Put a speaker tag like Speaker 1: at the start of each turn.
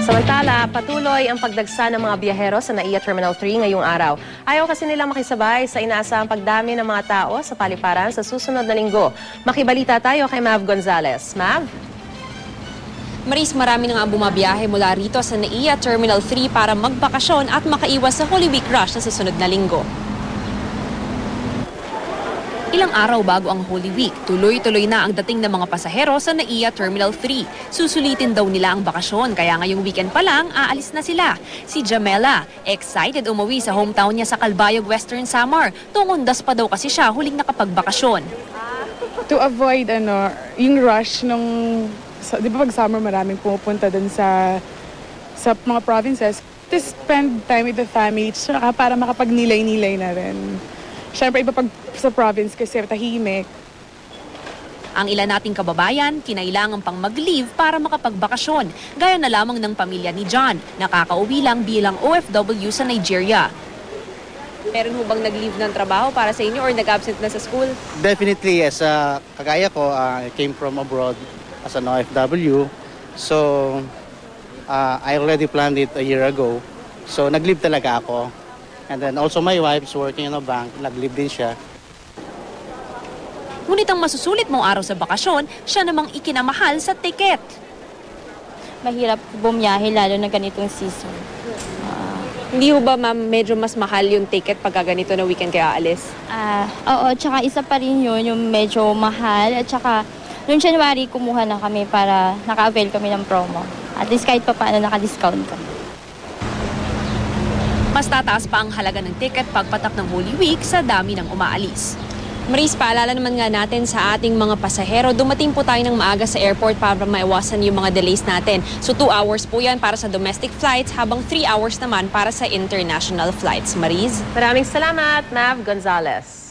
Speaker 1: Samantala, patuloy ang pagdagsa ng mga biyahero sa NAIA Terminal 3 ngayong araw. Ayaw kasi nilang makisabay sa inaasahang pagdami ng mga tao sa paliparan sa susunod na linggo. Makibalita tayo kay Mav Gonzalez. Mav?
Speaker 2: Maris, marami na nga bumabiyahe mula rito sa NAIA Terminal 3 para magbakasyon at makaiwas sa Holy Week rush na susunod na linggo. Ilang araw bago ang Holy Week, tuloy-tuloy na ang dating ng mga pasahero sa NAIA Terminal 3. Susulitin daw nila ang bakasyon, kaya ngayong weekend pa lang, aalis na sila. Si Jamela, excited umuwi sa hometown niya sa Calbayog, Western Samar. Tungundas pa daw kasi siya huling nakapagbakasyon.
Speaker 3: To avoid yung rush nung, di ba pag summer maraming pumupunta dun sa mga provinces, to spend time with the family, tsaka para makapagnilay-nilay na rin. Siyempre, iba pag sa province kasi tahimik.
Speaker 2: Ang ilan nating kababayan, kinailangan pang mag-leave para makapagbakasyon. Gaya na lamang ng pamilya ni John, nakakauwi lang bilang OFW sa Nigeria. Meron mo bang nag-leave ng trabaho para sa inyo or nag-absent na sa school?
Speaker 4: Definitely, yes. Kagaya ko, I came from abroad as an OFW. So, I already planned it a year ago. So, nag-leave talaga ako. And then also my wife's working in a bank, nag-leave din siya.
Speaker 2: Ngunit ang masusulit mong araw sa bakasyon, siya namang ikinamahal sa tiket.
Speaker 5: Mahirap bumiyahe lalo na ganitong season.
Speaker 2: Hindi ho ba ma'am medyo mas mahal yung ticket pagka ganito na weekend kayo aalis?
Speaker 5: Oo, tsaka isa pa rin yun, yung medyo mahal. At tsaka noong January kumuha na kami para naka-avail kami ng promo. At least kahit pa paano naka-discount kami.
Speaker 2: Mas tataas pa ang halaga ng ticket pagpatak ng Holy Week sa dami ng umaalis. Maris, paalala naman nga natin sa ating mga pasahero, dumating po tayo ng maaga sa airport para maiwasan yung mga delays natin. So 2 hours po yan para sa domestic flights, habang 3 hours naman para sa international flights. Maris?
Speaker 1: Maraming salamat, Mav Gonzalez.